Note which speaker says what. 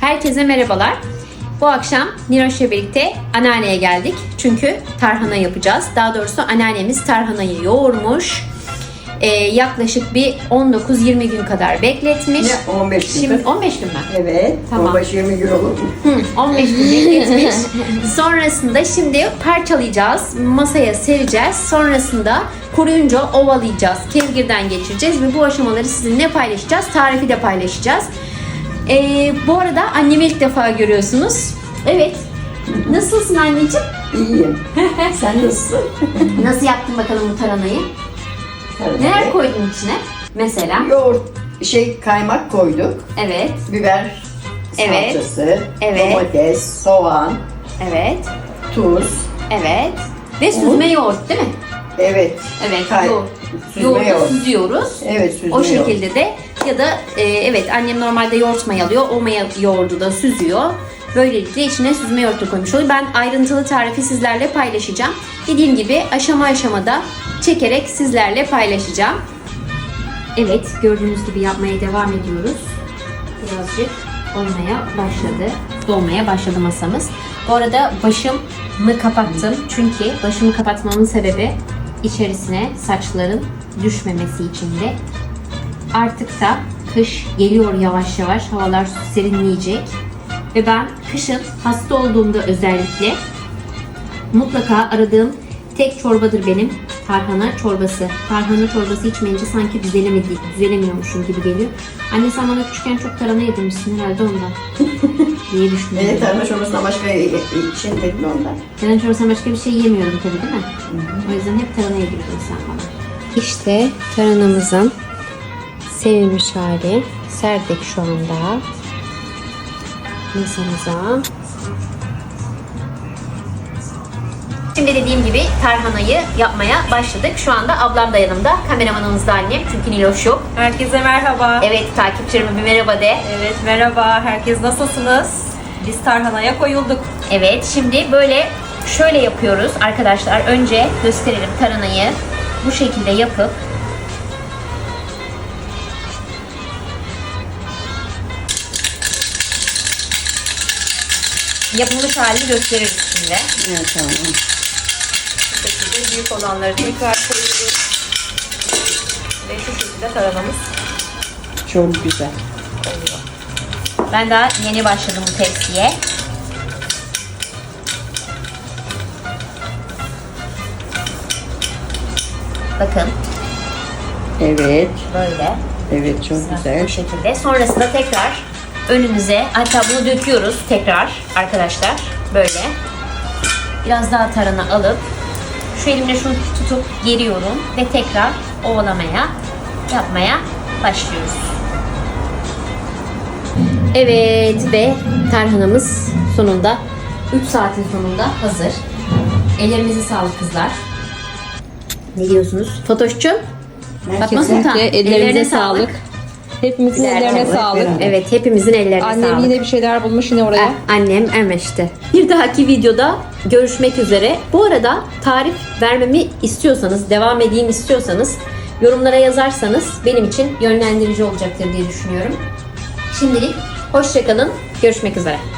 Speaker 1: Herkese merhabalar. Bu akşam Niloş'la birlikte anneanneye geldik. Çünkü tarhana yapacağız. Daha doğrusu anneannemiz tarhanayı yoğurmuş. Yaklaşık bir 19-20 gün kadar bekletmiş.
Speaker 2: Ne 15 gün?
Speaker 1: Şimdi 15 gün mü?
Speaker 2: Evet.
Speaker 1: Tamam.
Speaker 2: 15-20 gün olur mu?
Speaker 1: 15 gün bekletmiş. Sonrasında şimdi parçalayacağız. Masaya sereceğiz. Sonrasında kuruyunca ovalayacağız. Kevgirden geçireceğiz ve bu aşamaları sizinle paylaşacağız. Tarifi de paylaşacağız. Bu arada annemi ilk defa görüyorsunuz. Evet. Nasılsın anneciğim?
Speaker 2: İyiyim. Sen nasılsın?
Speaker 1: Nasıl yaptın bakalım bu tarhanayı? Neler koydun içine? Mesela?
Speaker 2: Yoğurt, kaymak koyduk.
Speaker 1: Evet.
Speaker 2: Biber
Speaker 1: Evet.
Speaker 2: salçası,
Speaker 1: Evet.
Speaker 2: domates, soğan,
Speaker 1: Evet.
Speaker 2: tuz.
Speaker 1: Evet. Ve süzme yoğurt değil mi?
Speaker 2: Evet.
Speaker 1: Evet.
Speaker 2: Süzme
Speaker 1: Yoğurdu
Speaker 2: yoğurt.
Speaker 1: süzüyoruz.
Speaker 2: Evet, süzme
Speaker 1: O
Speaker 2: yoğurt.
Speaker 1: şekilde de ya da evet annem normalde yoğurt mayalıyor. O yoğurdu da süzüyor. Böylelikle içine süzme yoğurtu koymuş oluyor. Ben ayrıntılı tarifi sizlerle paylaşacağım. Dediğim gibi aşama aşamada çekerek sizlerle paylaşacağım. Evet, gördüğünüz gibi yapmaya devam ediyoruz. Birazcık olmaya başladı. Dolmaya başladı masamız. Bu arada başımı kapattım. Çünkü başımı kapatmamın sebebi içerisine saçların düşmemesi için de. Artık da kış geliyor yavaş yavaş. Havalar serinleyecek. Ve ben kışın hasta olduğumda özellikle mutlaka aradığım tek çorbadır benim tarhana çorbası. Tarhana çorbası içmeyince sanki düzelemiyormuşum gibi geliyor. Anne sen bana küçükken çok tarhana yedirmişsin herhalde ondan diye düşünüyorum.
Speaker 2: Evet, tarhana çorbasından başka şey dedin ondan.
Speaker 1: Tarhana çorbasından başka bir şey yemiyordum tabii değil mi? O yüzden hep tarhana yediriyordun sen bana. İşte tarhanamızın sevilmiş hali. Serdik şu anda masamıza. Şimdi dediğim gibi tarhanayı yapmaya başladık. Şu anda ablam da yanımda. Kameramanımız da annem. Çünkü Niloş yok.
Speaker 3: Herkese merhaba.
Speaker 1: Evet, takipçilerime bir merhaba de.
Speaker 3: Evet, merhaba. Herkes nasılsınız? Biz tarhanaya koyulduk.
Speaker 1: Evet, şimdi böyle şöyle yapıyoruz arkadaşlar. Önce gösterelim tarhanayı. Bu şekilde yapıp yapılmış halini gösteririz şimdi.
Speaker 2: Evet, tamam.
Speaker 3: Bu şekilde büyük olanları tekrar koyuyoruz. Ve şu şekilde tarhanamız
Speaker 2: Çok güzel.
Speaker 3: oluyor.
Speaker 1: Ben daha yeni başladım bu tepsiye. Bakın
Speaker 2: Evet.
Speaker 1: böyle.
Speaker 2: Evet, çok güzel.
Speaker 1: Bu şekilde. Sonrasında tekrar önümüze, hatta bunu döküyoruz tekrar arkadaşlar. Böyle. Biraz daha tarhana alıp şu elimle şunu tutup geriyorum ve tekrar ovalamaya, yapmaya başlıyoruz. Evet ve tarhanamız sonunda 3 saatin sonunda hazır. Ellerinize sağlık kızlar. Ne diyorsunuz? Fatoş'cum? Fatma Sultan.
Speaker 4: Ellerine sağlık. Hepimizin ellerine sağlık.
Speaker 1: Evet, hepimizin ellerine
Speaker 4: Annem
Speaker 1: sağlık.
Speaker 4: yine bir şeyler bulmuş yine oraya.
Speaker 1: Annem emeşti. Bir dahaki videoda görüşmek üzere. Bu arada tarif vermemi istiyorsanız, devam edeyim istiyorsanız yorumlara yazarsanız benim için yönlendirici olacaktır diye düşünüyorum. Şimdilik hoşça kalın. Görüşmek üzere.